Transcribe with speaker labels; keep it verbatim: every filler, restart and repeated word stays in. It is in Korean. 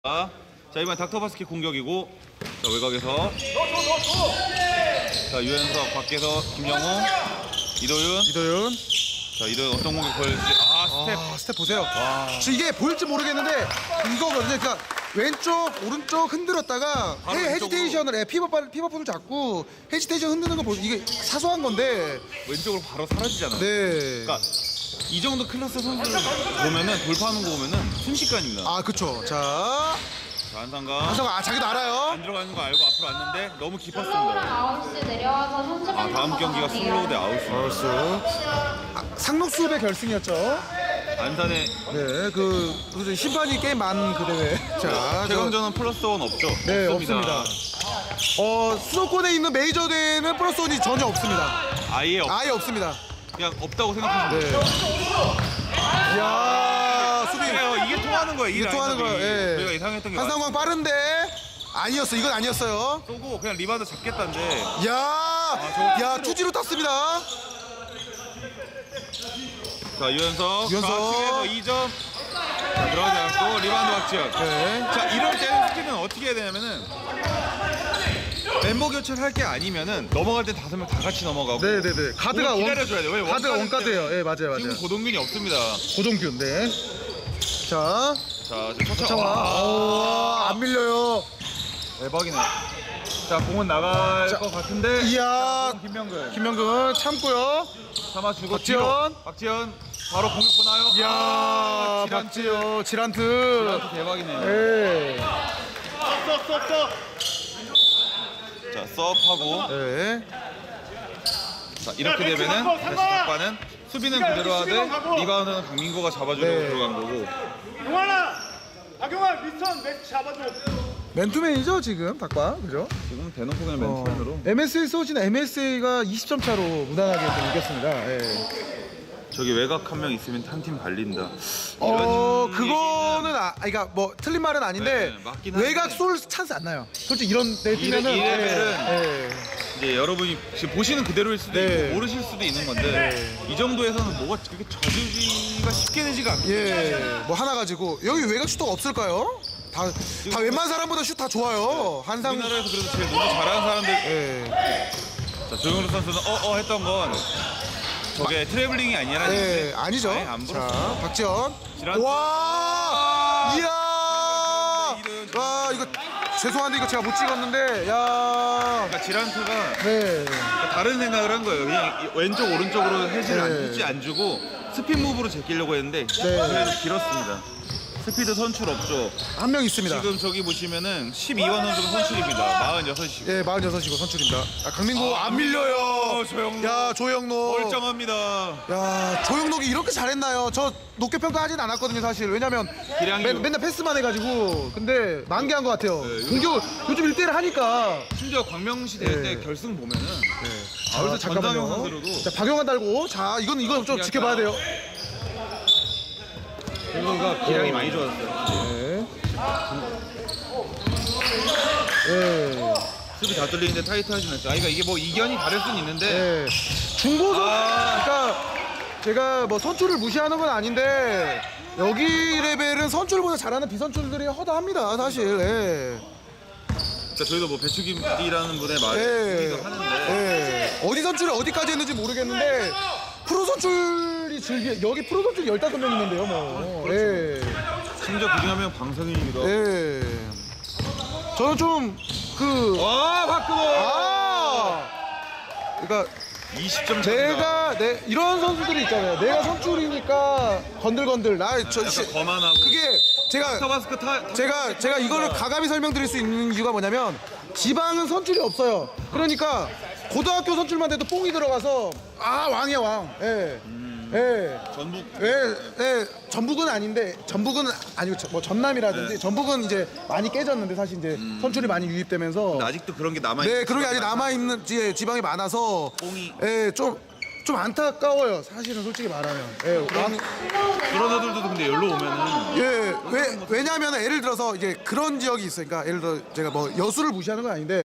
Speaker 1: 자, 이번 닥터바스켓 공격이고, 자, 외곽에서 자, 유현석 밖에서 김영웅, 이도윤.
Speaker 2: 이도윤.
Speaker 1: 자, 이도윤 어떤 공격 보여줄지. 아, 스텝.
Speaker 2: 아, 스텝 보세요.
Speaker 1: 와.
Speaker 2: 지금 이게 보일지 모르겠는데 이거거든요. 그러니까 왼쪽 오른쪽 흔들었다가
Speaker 1: 바로
Speaker 2: 헤,
Speaker 1: 왼쪽으로.
Speaker 2: 헤지테이션을 예, 피벗 피벗을 잡고 헤지테이션 흔드는 거 보세요. 이게 사소한 건데.
Speaker 1: 왼쪽으로 바로 사라지잖아요.
Speaker 2: 네.
Speaker 1: 그러니까 이 정도 클래스 선수들 보면은 돌파하는 거 보면은 순식간입니다.
Speaker 2: 아, 그쵸. 자,
Speaker 1: 자, 한상가.
Speaker 2: 한성아, 아, 자기도 알아요.
Speaker 1: 안 들어가는 거 알고 앞으로 왔는데 너무 깊었습니다.
Speaker 3: 아웃스 내려와서 선수
Speaker 1: 아, 다음 경기가 슬로우 대 아웃입니다.
Speaker 2: 아웃스. 아, 상록수업의 결승이었죠.
Speaker 1: 안산의
Speaker 2: 네, 그, 그 심판이 게임 많은 그 대회. 자, 저-
Speaker 1: 최강전은 플러스 원 없죠?
Speaker 2: 네, 없습니다. 어, 수도권에 있는 메이저 대회는 플러스 원이 전혀 없습니다.
Speaker 1: 아예 없,
Speaker 2: 아예 없습니다.
Speaker 1: 그냥 없다고 생각하시면
Speaker 2: 네.
Speaker 1: 돼요.
Speaker 2: 이야, 수비.
Speaker 1: 네, 이게 통하는 거예요. 이
Speaker 2: 이게 통하는
Speaker 1: 라인업이.
Speaker 2: 거예요. 예.
Speaker 1: 저희가 예상했던 게 맞-
Speaker 2: 한상광 빠른데 아니었어. 이건 아니었어요.
Speaker 1: 쏘고 그냥 리바운드 잡겠다는데
Speaker 2: 야,
Speaker 1: 저거
Speaker 2: 야, 투지로 땄습니다.
Speaker 1: 자, 유현석
Speaker 2: 유현석.
Speaker 1: 좌측에서 이 점. 자, 들어가지 않고 리바운드 박지현.
Speaker 2: 네.
Speaker 1: 자, 이럴 때는 스킬은 어떻게 해야 되냐면은 멤버 교체를 할 게 아니면은 넘어갈 때 다섯 명 다 같이 넘어가고
Speaker 2: 네, 네, 네. 가드가 원,
Speaker 1: 기다려줘야 돼요. 왜
Speaker 2: 가드가
Speaker 1: 원카드
Speaker 2: 원카드예요.
Speaker 1: 때문에
Speaker 2: 예, 맞아요,
Speaker 1: 지금
Speaker 2: 맞아요.
Speaker 1: 고동균이 없습니다.
Speaker 2: 고동균, 네. 자,
Speaker 1: 자, 지금
Speaker 2: 차와.
Speaker 1: 서창화.
Speaker 2: 오, 안 밀려요.
Speaker 1: 대박이네. 자, 공은 나갈
Speaker 2: 자,
Speaker 1: 것 같은데.
Speaker 2: 이야,
Speaker 1: 김명근.
Speaker 2: 김명근 참고요.
Speaker 1: 참아주고
Speaker 2: 박지현.
Speaker 1: 뒤로. 박지현 바로 공격 보나요?
Speaker 2: 이야,
Speaker 1: 아, 지란트.
Speaker 2: 박지요, 지란트.
Speaker 1: 지란트 대박이네요.
Speaker 2: 예.
Speaker 1: 자, 서브하고.
Speaker 2: 네.
Speaker 1: 자, 이렇게 되면은 다시 닭바는 수비는 그대로 하되 리바운드는 강민구가 잡아주려고
Speaker 2: 네.
Speaker 1: 들어간 거고.
Speaker 4: 용환아! 박용환 미스턴 매치 잡아줘.
Speaker 2: 맨투맨이죠 지금 닭바, 그죠?
Speaker 1: 지금 대놓고 그냥
Speaker 2: 어,
Speaker 1: 맨투맨으로.
Speaker 2: 엠에스에이 쏘시는 엠에스에이가 이십 점 차로 무난하게 좀 이겼습니다. 예.
Speaker 1: 저기 외곽 한 명 있으면 한 팀 발린다.
Speaker 2: 어,
Speaker 1: 이런
Speaker 2: 그거는 아, 그러니까 뭐 틀린 말은 아닌데
Speaker 1: 네, 맞긴 한데.
Speaker 2: 외곽 쏠 찬스 안 나요. 솔직히 이런 데
Speaker 1: 이 레-
Speaker 2: 뛰면은
Speaker 1: 이 레벨은
Speaker 2: 예, 예.
Speaker 1: 이제 여러분이 지금 보시는 그대로일 수도
Speaker 2: 네.
Speaker 1: 있고 모르실 수도 있는 건데 이 정도에서는 뭐가 그렇게 져주기가 쉽게 되지가 않고.
Speaker 2: 예, 뭐 하나 가지고 여기 외곽 슈터가 없을까요? 다, 다 웬만한 사람보다 슛 다 좋아요. 한상.
Speaker 1: 우리나라에서 그래도 제일 농구 잘하는 사람들.
Speaker 2: 예,
Speaker 1: 자, 조영루 선수는 어어 했던 건 저게 트래블링이 아니라는
Speaker 2: 예,
Speaker 1: 건데.
Speaker 2: 아니죠.
Speaker 1: 아예 안 불었어.
Speaker 2: 자, 박지현.
Speaker 1: 지란트.
Speaker 2: 와, 이야,
Speaker 1: 이런-
Speaker 2: 와 이거 죄송한데 이거 제가 못 찍었는데, 야,
Speaker 1: 그러니까 지란트가
Speaker 2: 네.
Speaker 1: 다른 생각을 한 거예요. 그냥 이- 왼쪽 오른쪽으로 해지를 안,
Speaker 2: 네.
Speaker 1: 해지 안 주고 스핀 무브로 제끼려고 했는데
Speaker 2: 네.
Speaker 1: 그래도 길었습니다. 스피드 선출 없죠.
Speaker 2: 한 명 있습니다.
Speaker 1: 지금 저기 보시면은 십이원 선수가 선출입니다. 마흔여섯이시고.
Speaker 2: 예, 마흔여섯이고 선출입니다. 아, 강민구
Speaker 1: 아,
Speaker 2: 안 밀려요.
Speaker 1: 조영록.
Speaker 2: 야, 조영록.
Speaker 1: 멀쩡합니다.
Speaker 2: 야, 조영록이 이렇게 잘했나요? 저 높게 평가하진 않았거든요, 사실. 왜냐면
Speaker 1: 기량이-
Speaker 2: 맨, 맨날 패스만 해가지고. 근데 만개한 것 같아요.
Speaker 1: 네,
Speaker 2: 공격 요즘 일 대일 하니까.
Speaker 1: 심지어 광명시 대회
Speaker 2: 네.
Speaker 1: 때 결승 보면은
Speaker 2: 네.
Speaker 1: 아, 그래서 전상영 선수로도
Speaker 2: 자, 박용환 달고. 자, 이건 이건 좀 지켜봐야 돼요.
Speaker 1: 선수가 기량이 많이 좋았어요.
Speaker 2: 네. 네.
Speaker 1: 수비 다 뚫리는데 타이트하진 않죠. 아, 그러니까 이게 뭐 이견이 다를 수는 있는데
Speaker 2: 네. 중고선,
Speaker 1: 아.
Speaker 2: 그러니까 제가 뭐 선출을 무시하는 건 아닌데 여기 레벨은 선출보다 잘하는 비선출들이 허다합니다, 사실. 예.
Speaker 1: 그러니까 저희도 뭐 배추김띠라는 분의 말을
Speaker 2: 예.
Speaker 1: 듣기도 하는데
Speaker 2: 예. 어디 선출을 어디까지 했는지 모르겠는데 프로 선출이 즐기 여기 프로 선출이 열다섯 명 있는데요, 뭐. 예.
Speaker 1: 심지어 그중 한 명 방송인이기도 하고.
Speaker 2: 예. 저는 좀 그
Speaker 1: 와, 박근호!
Speaker 2: 아! 그러니까
Speaker 1: 이십 점
Speaker 2: 내가 내 이런 선수들이 있잖아요. 내가 선출이니까 건들건들 나저
Speaker 1: 약간 거만하고
Speaker 2: 그게 제가
Speaker 1: 타바스크 타
Speaker 2: 제가 제가 이거를 가감히 설명드릴 수 있는 이유가 뭐냐면 지방은 선출이 없어요. 그러니까 고등학교 선출만 돼도 뽕이 들어가서 아 왕이야 왕. 예. 예.
Speaker 1: 전북
Speaker 2: 예, 예, 전북은 아닌데 전북은 아니고 저- 뭐 전남이라든지
Speaker 1: 네.
Speaker 2: 전북은 이제 많이 깨졌는데 사실 이제 선출이 많이 유입되면서
Speaker 1: 근데 아직도 그런 게 남아
Speaker 2: 네, 그런 게 아직 남아 있는 지방이 많아서
Speaker 1: 뽕이.
Speaker 2: 예, 좀 좀 안타까워요. 사실은 솔직히 말하면. 예, 왕,
Speaker 1: 그런 애들도 근데 여기로 오면은
Speaker 2: 예, 왜 왜냐하면 예를 들어서 이제 그런 지역이 있으니까 예를 들어 제가 뭐 여수를 무시하는 건 아닌데